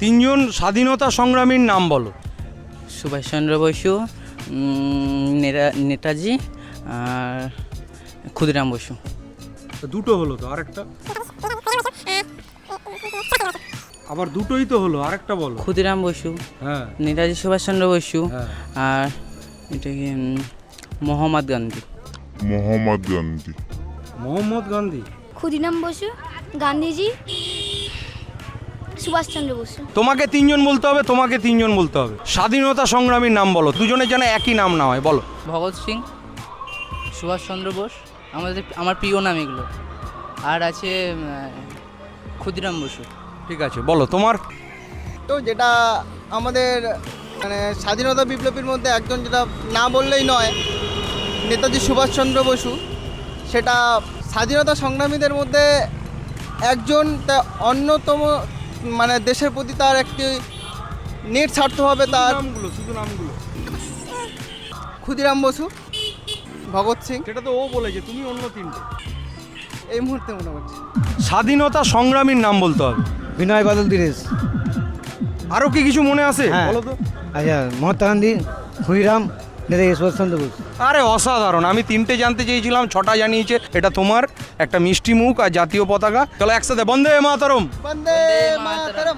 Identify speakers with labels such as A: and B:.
A: তিনজন স্বাধীনতা সংগ্রামীর নাম বলো।
B: সুভাষচন্দ্র বসু, নেতাজি আর ক্ষুদিরাম বসু।
A: দুটো হলো তো, আরেকটা আবার দুটোই তো হলো, আরেকটা বলো।
B: ক্ষুদিরাম বসু,
A: হ্যাঁ
B: নেতাজি সুভাষচন্দ্র বসু
A: হ্যাঁ।
B: আর এটা কি মোহাম্মদ গান্ধী।
A: মোহাম্মদ গান্ধী।
C: ক্ষুদিরাম বসু, গান্ধীজি, সুভাষচন্দ্র বসু।
A: তোমাকে তিনজন বলতে হবে, তোমাকে তিনজন বলতে হবে। স্বাধীনতা সংগ্রামীর নাম বলো, দুজনের যেন একই নাম না হয়, বলো।
B: ভগৎ সিং, সুভাষচন্দ্র বোস, আমার প্রিয় নাম এগুলো। আর আছে ক্ষুদিরাম বসু।
A: ঠিক আছে, বলো তোমার।
D: তো যেটা আমাদের মানে স্বাধীনতা বিপ্লবীর মধ্যে একজন, যেটা না বললেই নয়, নেতাজি সুভাষচন্দ্র বসু। সেটা স্বাধীনতা সংগ্রামীদের মধ্যে একজন, তা অন্যতম, মানে দেশের প্রতি তার একটি নেট স্বার্থ হবে তার।
A: শুধু নামগুলো।
D: ক্ষুদিরাম বসু, ভগৎ সিং,
A: সেটা তো ও বলেছে, তুমি অন্য তিনটে।
D: এই মুহূর্তে মনে হচ্ছে।
A: স্বাধীনতা সংগ্রামীর নাম বলতে হবে।
E: বিনয় বাদল দীনেশ।
A: আরো কি কিছু মনে আছে
E: হ্যাঁ।
A: বলো তো।
E: আচ্ছা, মহাত্মা গান্ধী, ক্ষুদিরাম, নেতাজি সুভাষচন্দ্র বোস।
A: আরে অসাধারণ, আমি তিনটে জানতে চেয়েছিলাম, ছটা জানিয়েছে। এটা তোমার একটা মিষ্টি মুখ আর জাতীয় পতাকা। চলো একসাথে বন্দে মাতরম।
D: বন্দে মাতরম।